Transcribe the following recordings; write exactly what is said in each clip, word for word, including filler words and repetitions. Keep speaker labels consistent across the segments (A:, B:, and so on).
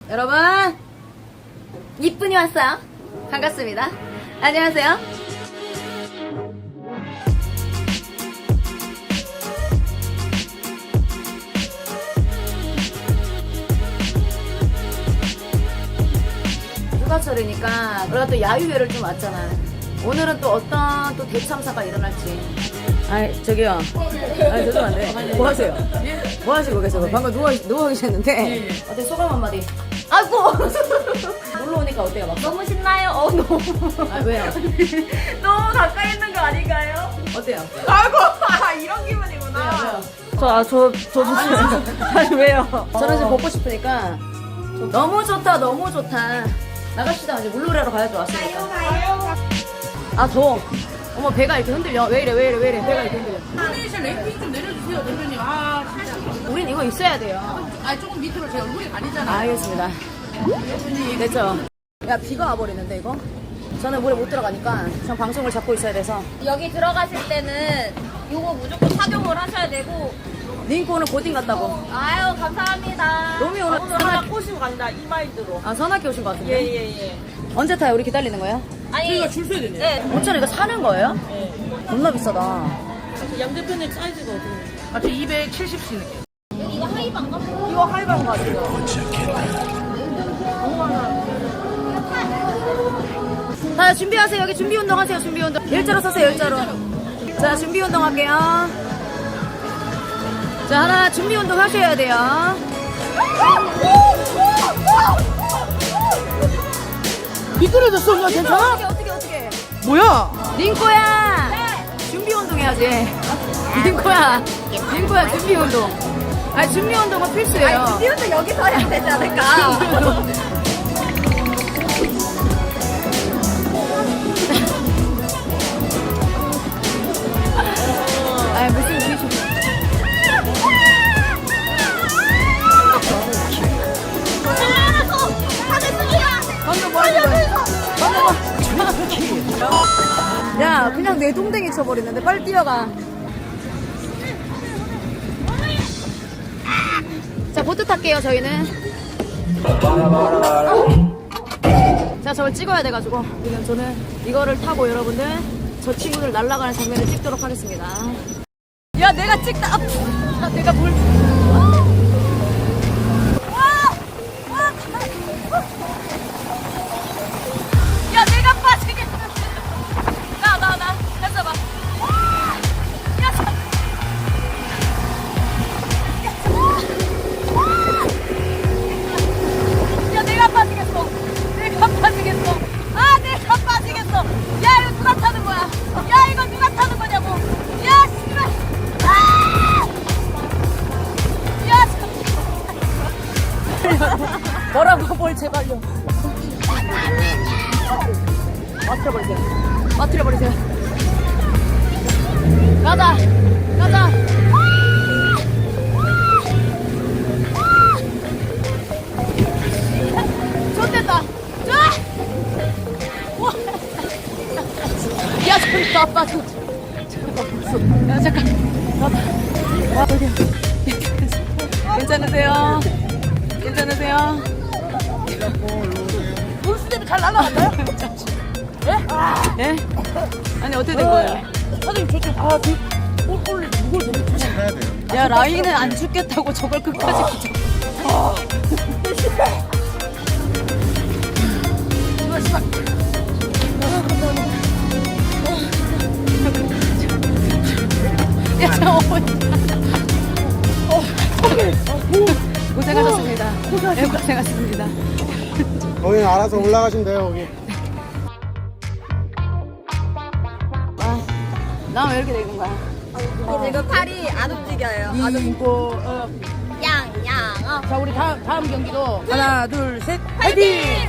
A: 여러분, 이쁜이 왔어요. 반갑습니다. 안녕하세요. 휴가철이니까 우리가 또 야유회를 좀 왔잖아. 오늘은 또 어떤 또 대참사가 일어날지. 아이 저기요. 아이 죄송한데 뭐 하세요? 뭐 하시고 계세요? 방금 누워 누워 계셨는데 어때 소감 한마디? 아이고 놀러 오니까 어때요? 막?
B: 너무 신나요? 어, 너무.
A: 아 왜요?
B: 너무 가까이 있는 거 아닌가요?
A: 어때요?
B: 아이고, 아, 이런 기분이구나.
A: 왜요? 왜요?
B: 저, 아, 저, 저, 저, 아니, 왜요?
A: 저는 지금 벗고 싶으니까 너무 좋다 너무 좋다. 나갑시다. 이제 물놀이하러 가야죠. 왔으니까. 아 더워. 어머 배가 이렇게 흔들려. 왜 이래 왜 이래 왜 이래 배가 이렇게 흔들려.
C: 카네이션 랭킹 좀 내려주세요, 대표님. 아, 진짜.
A: 우린 이거 있어야 돼요.
C: 아, 조금 밑으로 제 얼굴이 가리잖아요.
A: 알겠습니다. 됐죠? 야 비가 와버리는데 이거? 저는 물에 못 들어가니까 전 방송을 잡고 있어야 돼서.
B: 여기 들어가실 때는 요거 무조건 착용을 하셔야 되고.
A: 링크 오늘 고딩 같다고.
B: 아유, 감사합니다.
A: 로미 오늘
B: 오늘
A: 선악-
B: 하나 꼬시고 간다, 이 마인드로.
A: 아 선악기 오신 것 같은데?
B: 예, 예, 예.
A: 언제 타요? 우리 기다리는 거예요?
B: 아니,
C: 저희가 줄 서야 되네요.
B: 네.
A: 오천 원 이거 사는 거예요? 겁나 비싸다.
C: 양 대표님 사이즈가 어떻게 돼요? 아, 저 이백칠십 씨 느낌.
B: 이거 하이방가?
A: 이거 하이방 가지고. 자 준비하세요. 여기 준비 운동 하세요. 준비 운동. 일자로 서세요. 일자로. 자 준비 운동 할게요. 자 하나 준비 운동 하셔야 돼요.
C: 미끄러졌어, 나 괜찮아?
A: 어떻게 어떻게 어떻게?
C: 뭐야?
A: 링코야. 준비 운동 해야지. 링코야. 링코야 준비 운동. 아 준비 운동은 필수예요.
B: 준비 운동 여기서 해야 되지 않을까?
A: 아 무슨 기술? 방금 뭐 하는 거야? 방금 뭐? 야 그냥 내 동댕이 쳐버리는데 빨리 뛰어가. 자 보트 탈게요 저희는. 자 저걸 찍어야 돼가지고 지금 저는 이거를 타고 여러분들 저 친구들 날아가는 장면을 찍도록 하겠습니다. 야 내가 찍다. 아, 내가 물. 야 내가 빠지겠다. 나 나 나 됐어 봐. 야, 저- 야 내가 빠지겠어. 내가 빠지겠어. 아 내가 빠지겠어. 야 이거 누가 타는 거야? 야 이거 누가 타는 거냐고. 야 씨발. 아! 야 저- 뭐라고 뭘 제발요. 빠뜨려버리세요. 빠뜨려버리세요. 가자. 가자. 좋됐다. 좋아. 야, 저리 가, 빠져. 야, 잠깐. 와봐. 와, 어디야. 괜찮으세요? 괜찮으세요?
C: 물수 때문에 잘 날아갔나요?
A: 예? 예? 아니, 어떻게 된 거예요?
C: 사장님, 저 좀, 아, 그, 꼴꼴, 무거워, 너무 조심해야 돼요.
A: 야, 라인은 안 죽겠다고 저걸 끝까지 붙여. 야, 저 고생하셨습니다. 예, 고생하셨습니다.
D: 거기는 알아서 올라가시면 돼요, 거기.
A: 아, 나 왜 이렇게 되는 거야?
B: 지금 팔이 안 움직여요.
C: 이거, 어,
B: 양, 양, 어.
C: 자, 우리 다음, 다음 경기도 하나, 둘, 셋, 파이팅!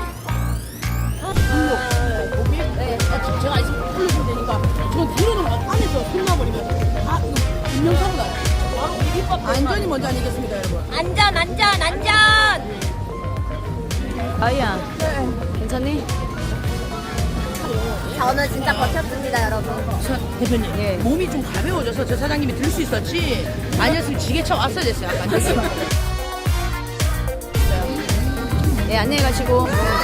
C: 몸이? 네. 아, 지금 제가 있으면 풀려주면 되니까. 저 뒤로는 안에서 손나버리면 아, 이거 분명사고 나요. 바로 비빔밥 안전이 먼저 아니겠습니까, 여러분?
B: 안전, 안전, 안전!
A: 아이야, 괜찮니?
B: 저는 진짜 버텼습니다, 여러분.
C: 사, 대표님,
A: 예.
C: 몸이 좀 가벼워져서 저 사장님이 들 수 있었지 아니었으면 지게차 왔어야 됐어요, 아까.
A: 네, 안녕히 가시고.